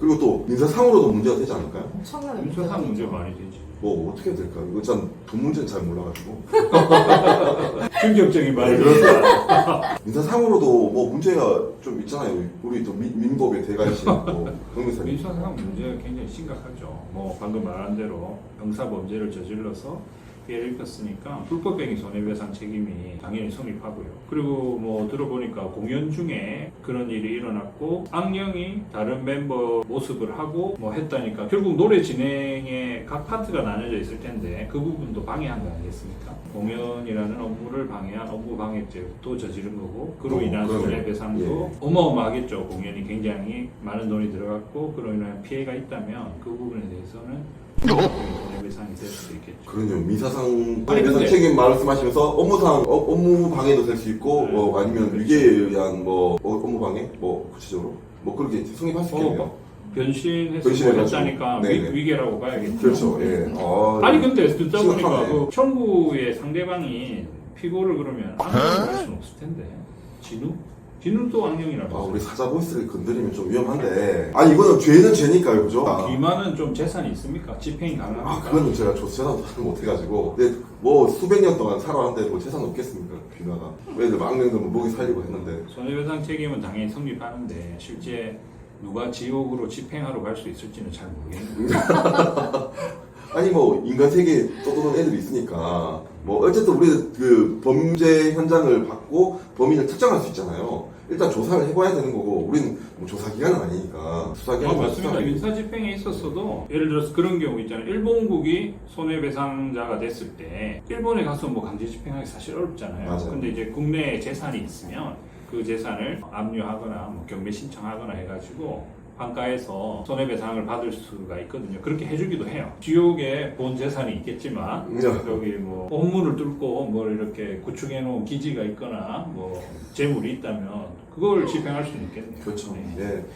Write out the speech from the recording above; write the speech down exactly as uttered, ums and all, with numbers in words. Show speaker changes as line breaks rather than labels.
그리고 또 민사상으로도 문제가 되지 않을까요?
엄청나게
민사상 문제
되죠.
많이 되지.
뭐 어떻게 해야 될까? 이거 전 돈 문제는 잘 몰라가지고.
충격적인 말이
민사상으로도 뭐 문제가 좀 있잖아요. 우리 또 민, 민법의 대가이신 뭐 변호사님.
민사상 문제가 굉장히 심각하죠. 뭐 방금 말한 대로 형사 범죄를 저질러서 피해를 입혔으니까 불법행위 손해배상 책임이 당연히 성립하고요. 그리고 뭐 들어보니까 공연 중에 그런 일이 일어났고 악령이 다른 멤버 모습을 하고 뭐 했다니까 결국 노래 진행에 각 파트가 나눠져 있을 텐데 그 부분도 방해한 거 아니겠습니까? 공연이라는 업무를 방해한 업무 방해죄도 저지른 거고 그로
어,
인한
그러네.
손해배상도
예.
어마어마하겠죠. 공연이 굉장히 많은 돈이 들어갔고 그로 인한 피해가 있다면 그 부분에 대해서는 손해배상이 될 수도 있겠죠.
그러네요. 민사상
아니,
민사상
근데-
책임 말씀하시면서 업무상 어, 업무 방해도 될 수 있고
네.
뭐 아니면
그렇죠.
위계에 의한 뭐 어, 업무 방해 뭐 구체적으로 뭐 그렇게 성립할 수 있겠네요.
어, 변신해서
변신해가지고.
했다니까
네네.
위, 위계라고 봐야겠죠.
그렇죠. 예. 아,
아니 근데 듣다 보니까
심각하네.
그 청구의 상대방이 피고를 그러면 악령이라고 할 수는 없을 텐데 진우? 진우도 악령이라고
아,
했어요.
우리 사자 보이스를 건드리면 좀 위험한데. 아니, 이거는 죄는 죄니까요, 그죠? 아,
귀만은 좀 재산이 있습니까? 집행이 가능합니까?
아, 그거는 제가 조사도 못해가지고. 근데 뭐 수백 년 동안 살아왔는데 뭐 재산 없겠습니까, 귀마가. 왜들 막내들 뭐 먹이 살리고 했는데.
손해배상 책임은 당연히 성립하는데 실제 누가 지옥으로 집행하러 갈 수 있을지는 잘 모르겠는데
아니, 뭐, 인간 세계에 떠도는 애들이 있으니까. 뭐, 어쨌든 우리는 그 범죄 현장을 받고 범인을 특정할 수 있잖아요. 일단 조사를 해봐야 되는 거고, 우리는 뭐 조사기관은 아니니까.
어,
수사기관은
맞습니다. 민사집행에 있었어도 예를 들어서 그런 경우 있잖아요. 일본국이 손해배상자가 됐을 때 일본에 가서 뭐 강제 집행하기 사실 어렵잖아요.
맞아요.
근데 이제 국내에 재산이 있으면 그 재산을 압류하거나 뭐 경매 신청하거나 해가지고 환가해서 손해배상을 받을 수가 있거든요. 그렇게 해주기도 해요. 지옥에 본 재산이 있겠지만
네.
여기 뭐 업무를 뚫고 뭘 이렇게 구축해 놓은 기지가 있거나 뭐 재물이 있다면 그걸 집행할 수는 있겠네요.
그렇죠.
네.
예.